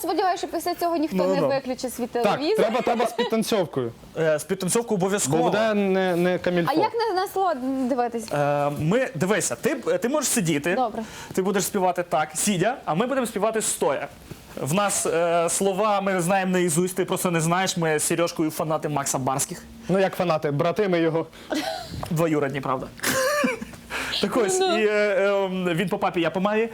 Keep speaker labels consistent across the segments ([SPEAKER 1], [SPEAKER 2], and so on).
[SPEAKER 1] сподіваюся, що після цього ніхто не виключить свій
[SPEAKER 2] Так,
[SPEAKER 1] телевізор.
[SPEAKER 2] треба з підтанцьовкою.
[SPEAKER 3] З підтанцьовкою
[SPEAKER 2] Бо
[SPEAKER 3] обов'язково.
[SPEAKER 2] буде не камільфо.
[SPEAKER 1] А як на слово дивитись?
[SPEAKER 3] Дивися, ти можеш сидіти,
[SPEAKER 1] Добре.
[SPEAKER 3] ти будеш співати так, сидя, а ми будемо співати стоя. В нас слова ми знаємо наізусть, ти просто не знаєш, ми з Сережкою фанати Макса Барських.
[SPEAKER 2] Ну як фанати, брати ми його.
[SPEAKER 3] Двоюродні, правда. Так ось, і він по папі, я по мамі.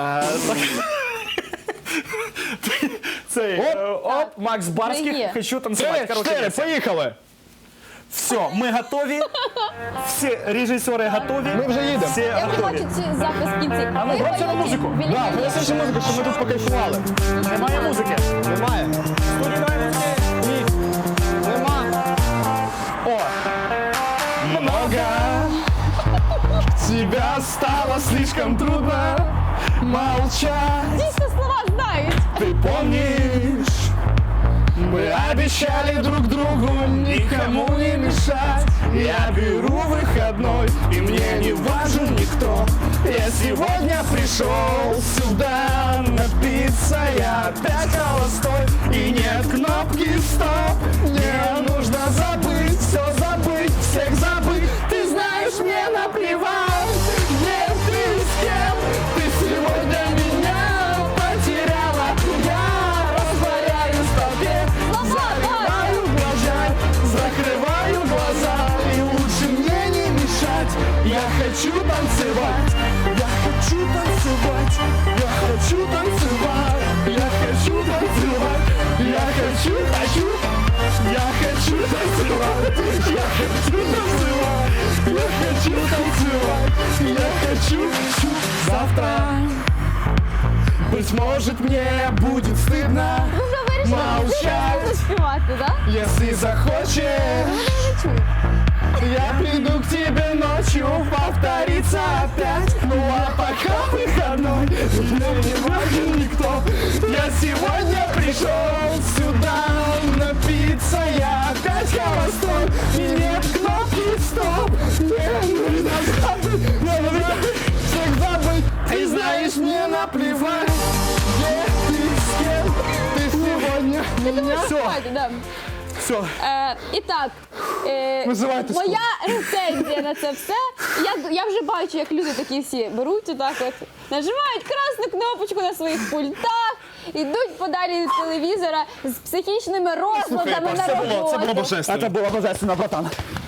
[SPEAKER 3] Цей, Макс
[SPEAKER 1] Є.
[SPEAKER 3] Барських, хочу танцювати.
[SPEAKER 2] 4, поїхали!
[SPEAKER 3] Все, ми готові, всі режисери готові.
[SPEAKER 2] Ми вже їдемо.
[SPEAKER 3] Всі
[SPEAKER 1] Я вже
[SPEAKER 3] готові.
[SPEAKER 1] хочу ці запис в кінці.
[SPEAKER 3] А ну, громче на музику.
[SPEAKER 2] Да, принеси музику, щоб ми тут покайфували.
[SPEAKER 3] Немає музики.
[SPEAKER 2] Немає?
[SPEAKER 3] Студії немає музики.
[SPEAKER 2] Ні. Нема.
[SPEAKER 3] О,
[SPEAKER 2] Много. Тебя стало слишком трудно молчать.
[SPEAKER 1] Дійсно слова знають.
[SPEAKER 2] Ты помнишь, мы обещали друг другу никому не мешать. Я беру выходной, и мне не важен никто. Я сегодня пришел сюда напиться, я опять холостой, и нет кнопки стоп. Мне нужно забыть, все забыть, всех забыть. Ты знаешь, мне наплевать, где ты с кем. Ты сегодня меня потеряла, я растворяюсь в толпе. Закрываю глаза, закрываю глаза, и лучше мне не мешать. Я хочу танцевать, я хочу танцевать, я хочу танцевать, я хочу танцевать, я хочу танцевать, я хочу танцевать, я хочу танцевать, я хочу. Завтра, быть может, мне будет стыдно
[SPEAKER 1] Ви вже вирішили,
[SPEAKER 2] молчать.
[SPEAKER 1] що співати, так?
[SPEAKER 2] Если захочешь, я приду к тебе ночью, повторится опять. Ну а пока выходной, мне не важен никто. Я сегодня пришел сюда напиться, я опять холостой, и нет кнопки стоп. Мне нужно забыть, нужно всех забыть. Ты знаешь, мне наплевать, где ты, с кем ты сегодня меня.
[SPEAKER 1] Співайте, да.
[SPEAKER 3] все.
[SPEAKER 1] І так,
[SPEAKER 2] Визивайте
[SPEAKER 1] моя рецензія на це все. Я вже бачу, як люди такі всі беруть отак от, нажимають красну кнопочку на своїх пультах, ідуть подалі від телевізора з психічними розладами на роботі.
[SPEAKER 2] божественно.
[SPEAKER 3] Це було божественно, братан.